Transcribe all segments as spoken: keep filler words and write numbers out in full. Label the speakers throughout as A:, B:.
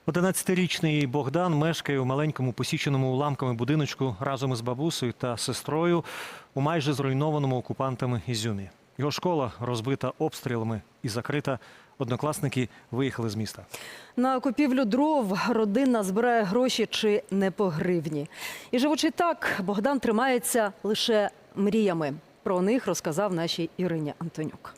A: одинадцятирічний Богдан мешкає у маленькому посіченому уламками будиночку разом із бабусею та сестрою у майже зруйнованому окупантами Ізюмі. Його школа розбита обстрілами і закрита. Однокласники виїхали з міста.
B: На купівлю дров родина збирає гроші чи не по гривні. І живучи так, Богдан тримається лише мріями. Про них розказав нашій Ірині Антонюк.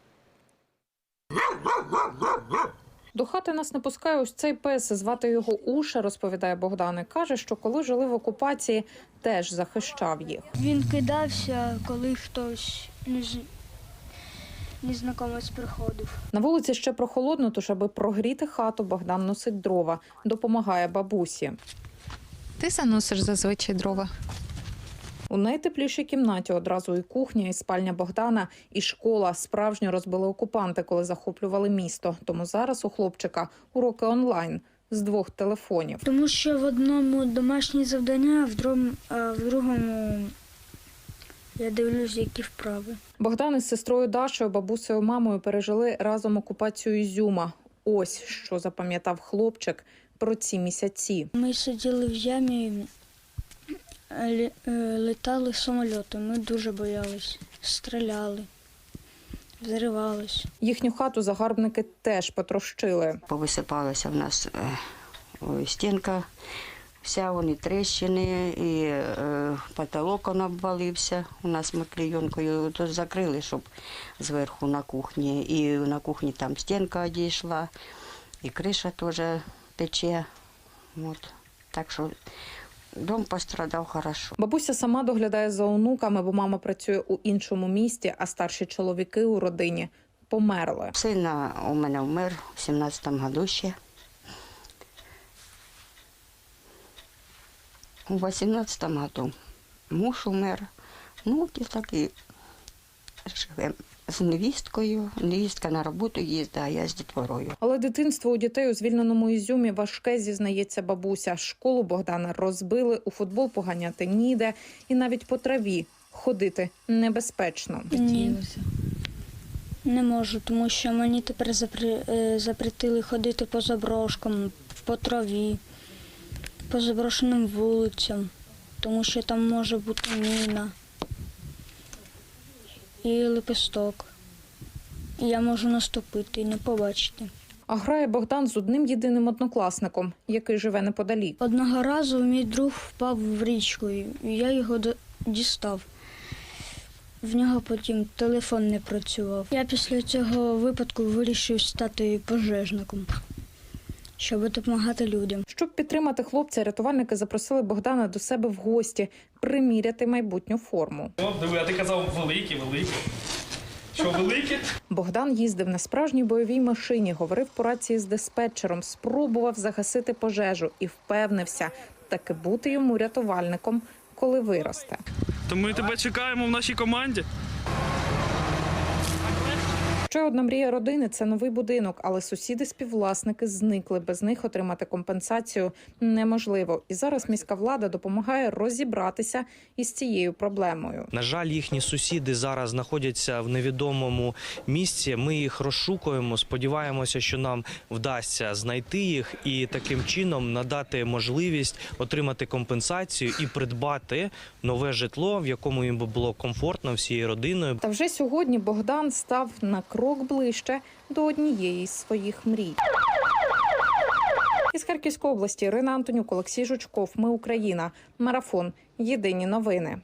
C: До хати нас не пускає ось цей пес, звати його Уша, розповідає Богдан. І каже, що коли жили в окупації, теж захищав їх.
D: Він кидався, коли хтось незнайомець приходив.
C: На вулиці ще прохолодно, тож аби прогріти хату, Богдан носить дрова, допомагає бабусі.
E: Ти заносиш зазвичай дрова?
C: У найтеплішій кімнаті одразу і кухня, і спальня Богдана, і школа. Справжньо розбили окупанти, коли захоплювали місто. Тому зараз у хлопчика уроки онлайн з двох телефонів.
D: Тому що в одному домашні завдання, в другому, а в другому я дивлюсь, які вправи.
C: Богдан із сестрою Дашою, бабусею, мамою пережили разом окупацію Ізюма. Ось що запам'ятав хлопчик про ці місяці.
D: Ми сиділи в ямі, літали самоліти. Ми дуже боялись, стріляли, взривались.
C: Їхню хату загарбники теж потрощили.
F: Повисипалася в нас е, стінка, вся вони тріщини, і е, потолок он обвалився. У нас ми клейонкою то закрили, щоб зверху на кухні. І на кухні там стінка одійшла, і криша теж тече. От. Так що дом пострадав хорошо.
C: Бабуся сама доглядає за онуками, бо мама працює у іншому місті, а старші чоловіки у родині померли.
F: Син у мене вмер у сімнадцятому году ще. У вісімнадцятому году муж умер. Ну, і так і живемо з невісткою. Невістка на роботу їздить, а я з дітворою.
C: Але дитинство у дітей у звільненому Ізюмі важке, зізнається бабуся. Школу Богдана розбили, у футбол поганяти ніде. І навіть по траві ходити небезпечно.
D: Ні, не можу, тому що мені тепер запри... запретили ходити по заброшкам, по траві, по заброшеним вулицям, тому що там може бути міна і лепесток. І я можу наступити і не побачити.
C: А грає Богдан з одним єдиним однокласником, який живе неподалік.
D: Одного разу мій друг впав в річку, і я його дістав. В нього потім телефон не працював. Я після цього випадку вирішив стати пожежником, щоб допомагати людям.
C: Щоб підтримати хлопця, рятувальники запросили Богдана до себе в гості, приміряти майбутню форму.
G: О, диви, а ти казав великі, великі. Що, великі?
C: Богдан їздив на справжній бойовій машині, говорив по рації з диспетчером, спробував загасити пожежу і впевнився, таки бути йому рятувальником, коли виросте.
G: То ми тебе чекаємо в нашій команді.
C: Ще одна мрія родини – це новий будинок, але сусіди-співвласники зникли. Без них отримати компенсацію неможливо. І зараз міська влада допомагає розібратися із цією проблемою.
H: На жаль, їхні сусіди зараз знаходяться в невідомому місці. Ми їх розшукуємо, сподіваємося, що нам вдасться знайти їх і таким чином надати можливість отримати компенсацію і придбати нове житло, в якому їм було комфортно всією родиною.
C: Та вже сьогодні Богдан став на крок ближче до однієї з своїх мрій. Із Харківської області Ірина Антонюк, Олексій Жучков. Ми Україна. Марафон. Єдині новини.